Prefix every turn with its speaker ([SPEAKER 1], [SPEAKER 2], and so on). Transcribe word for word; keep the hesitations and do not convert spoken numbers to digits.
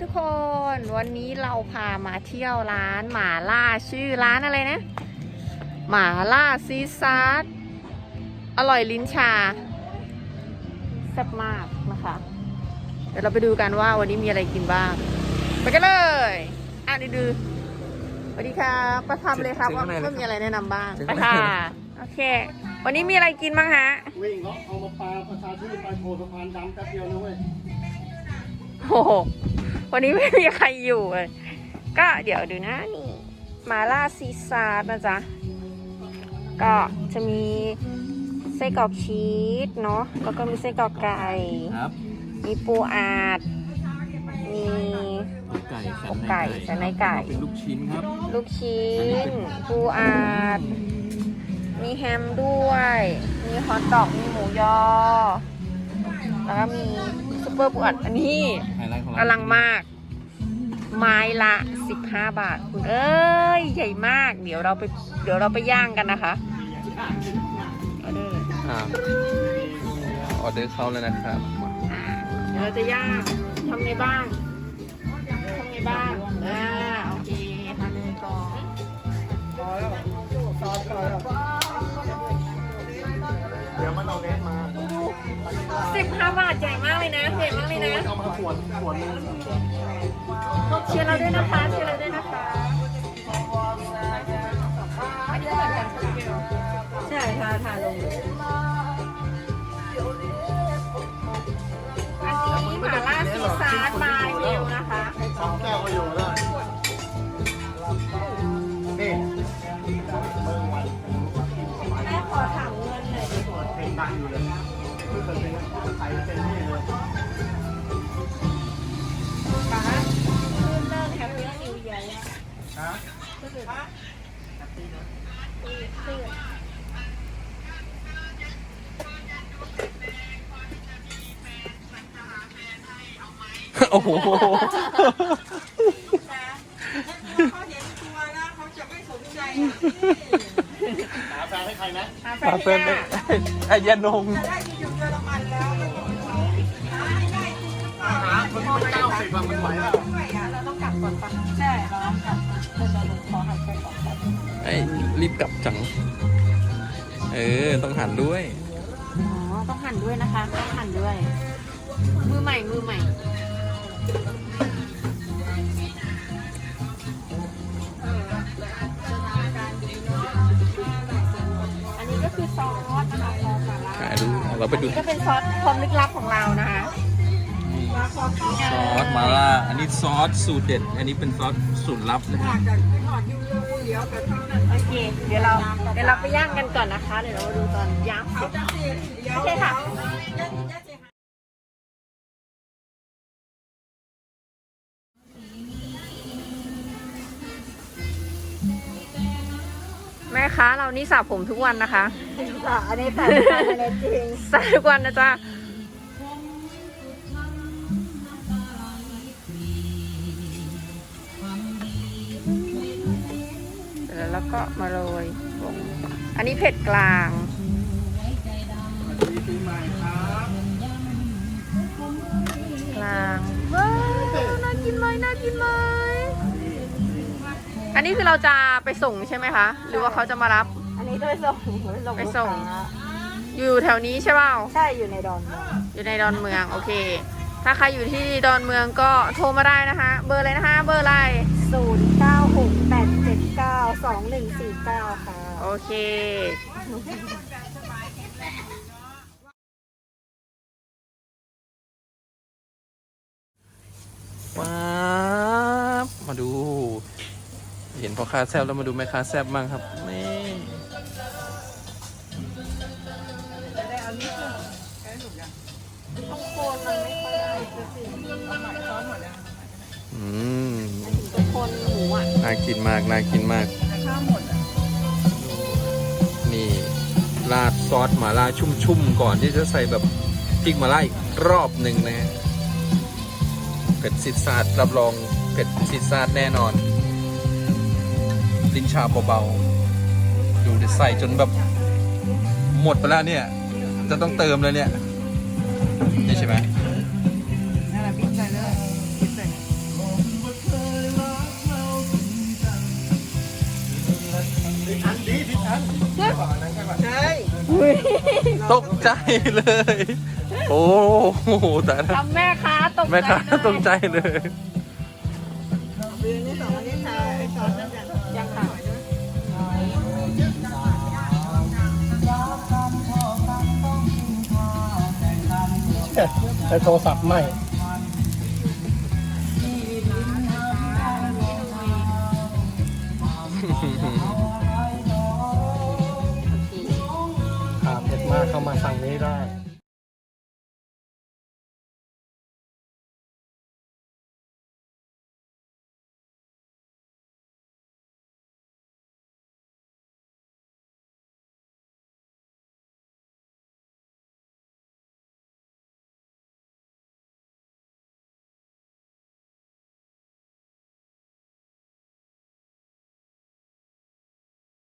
[SPEAKER 1] กคนวันนี้เราพามาเที่ยวร้านหม่าล่าชื่อร้านอะไรนะหม่าล่าซีซาร์อร่อยลิ้นชาแซ่บมากนะคะเดี๋ยวเราไปดูกันว่าวันนี้มีอะไรกินบ้างไปกันเลยอ่ะดูดูสวัสดีครับประทำเลยครับว่าว่ามีอะไรแนะนำบ้างไปค่ะโอเควันนี้มีอะไรกินบ้างฮะ
[SPEAKER 2] วิ่งเขาเอามาปลาประชาชื่นไปโผล่สะพานดำแป๊บเดียวนะเว้ย
[SPEAKER 1] โอ้โหวันนี้ไม่มีใครอยู่เลยก็เดี๋ยวดูนะนี่มาล่าซีซาร์นะจ๊ะก็จะมีไส้กรอกชีสเนาะแล้วก็มีไส้กรอกไก่มีปูอัดมี
[SPEAKER 3] ไก่สั
[SPEAKER 1] นในไก่สันในไก่
[SPEAKER 3] เป็นลูกชิ้นครับ
[SPEAKER 1] ลูกชิ้นปูอัดมีแฮมด้วยมีฮอทดอกมีหมูยอแล้วก็มีซุปเปอร์ปูอัดอันนี้อลังมากไม้ละสิบห้าบาทคุณเอ้ยใหญ่มากเดี๋ยวเราไปเดี๋ยวเราไปย่างกันนะคะออเดอร์
[SPEAKER 3] ออเดอร์เข้าแล้วนะครับ
[SPEAKER 1] เดี๋ยวเราจะย่างทำไงบ้างทำไงบ้างอ่าโอเคทำเลยก่อนพอแล้วซอสพอแล้ว
[SPEAKER 2] เดี๋ยวมันเอาเน็ตมา
[SPEAKER 1] สิบห้าบาทใหญ่มากเลยนะใหญ่มากเลยนะ
[SPEAKER 2] เอามาขวดขวดนึง
[SPEAKER 1] เชียร์เราด้วยนะคะเชียร์เราด้วยนะคะอันนี้เหมือนกันใช่ทาทาลงอันนี้หม่าล่าซีซาร์บายเวลนะคะ
[SPEAKER 2] สองแก้วก็อยู่แล้วนี่
[SPEAKER 1] แม่ขอถามเงินหน่อยดิ
[SPEAKER 2] เพลงดังอยู่เลยเพิ่งเกิดเพลงไทยเป็นนี่เลย
[SPEAKER 1] ป้าขึ้นเลิกแฮปปี้นิวเยียร์ฮะขึ้นป้าขึ้น
[SPEAKER 3] โอ้โห
[SPEAKER 4] เขาเห็นตัวแล้วเขาจะไม่สนใจ
[SPEAKER 2] หาแฟนให้ใครนะ
[SPEAKER 1] หาแฟนให้
[SPEAKER 3] ไอ้ยานง
[SPEAKER 4] จะได้ที่อยู่เยอรมันแล้ว
[SPEAKER 2] หาคนที่เก้าสิบมันไหวแล้ว
[SPEAKER 1] เราต้องกลับก่อนปะใช่เราต้องกลับเราจะลงขอหันไปก่อน
[SPEAKER 3] ไอ้รีบกลับจังเออต้องหันด้วย
[SPEAKER 1] อ๋อต้องหั่นด้วยนะคะต้องหั่นด้วยมือใหม่มือใหม่อันนี้ก็คือซอสนะคะซอสมาล่า
[SPEAKER 3] ดูเราไปดู
[SPEAKER 1] ก็เป็นซอสความลึกลับของเรานะคะ
[SPEAKER 3] ซอสมาล่าอันนี้ซอสสูตรเด็ดอันนี้เป็นซอสสูตรลับนะฮะ
[SPEAKER 1] โอเคเดี๋ยวเราเดี๋ยวเราไปย่างกันก่อนนะคะเดี๋ยวเรามาดูตอนย่างเสร็จโอเคค่ะแม่ค้าเรานี่สระผมทุกวันนะคะ
[SPEAKER 4] อันนี้แต่อันนี้จริง
[SPEAKER 1] สระทุกวันนะจ๊ะแล้วก็มาโรยลงอันนี้เผ็ดกลางกลางว้าวน่ากินไหมน่ากินไหมอันนี้คือเราจะไปส่งใช่ไหมคะหรือว่าเขาจะมารับ
[SPEAKER 4] อันนี้ไปส่ง
[SPEAKER 1] ไปส่งอยู่แถวนี้ใช่เปล่า
[SPEAKER 4] ใช่อยู่ในดอน
[SPEAKER 1] อยู่ในดอนเมืองโอเคถ้าใครอยู่ที่ดอนเมืองก็โทรมาได้นะคะเบอร์อะไรนะคะเบอร์อะไร
[SPEAKER 4] ศูนย์เก้าหกแปดเจ็ดเก้าสองหนึ่งสี่เก้าค่ะ
[SPEAKER 1] โอเค
[SPEAKER 3] ว้ามาดูเห็นพ่อค้าแซ่บแล้วมาดูแม่ค้าแซ่บบ้างครับนี่
[SPEAKER 1] โคนมันไม่ค่อยได้สิ
[SPEAKER 3] อืม
[SPEAKER 1] คนหมูอ่ะ
[SPEAKER 3] น่ากินมากน่ากินมาก
[SPEAKER 1] ข้าวหมดอ่ะ
[SPEAKER 3] นี่ราดซอสหม่าล่าชุ่มๆก่อนที่จะใส่แบบพริกหม่าล่าอีกรอบหนึ่งนะฮะเผ็ดซิดซาดรับรองเผ็ดซิดซาดแน่นอนลิ้นชาเบาๆดูดิใส่จนแบบหมดไปแล้วเนี่ยจะต้องเติมเลยเนี่ยนี่ใช่ไหม
[SPEAKER 4] นั่นแหละพริกใส่เลยพริกใส่
[SPEAKER 3] ตกใจเลย โอ้โหแต่
[SPEAKER 1] ทำแม่ค้าตกใจ
[SPEAKER 3] แม่ค้า
[SPEAKER 1] เลย
[SPEAKER 3] ตกใจเลย
[SPEAKER 4] ปีนี้สองวันนี้ชาไอ้ซอสนั่นอย่าง
[SPEAKER 1] ยังค่ะ
[SPEAKER 2] ใช้โทรศัพท์ไม่ ขาเผ็ดมากเข้ามาสั่งนี้ได้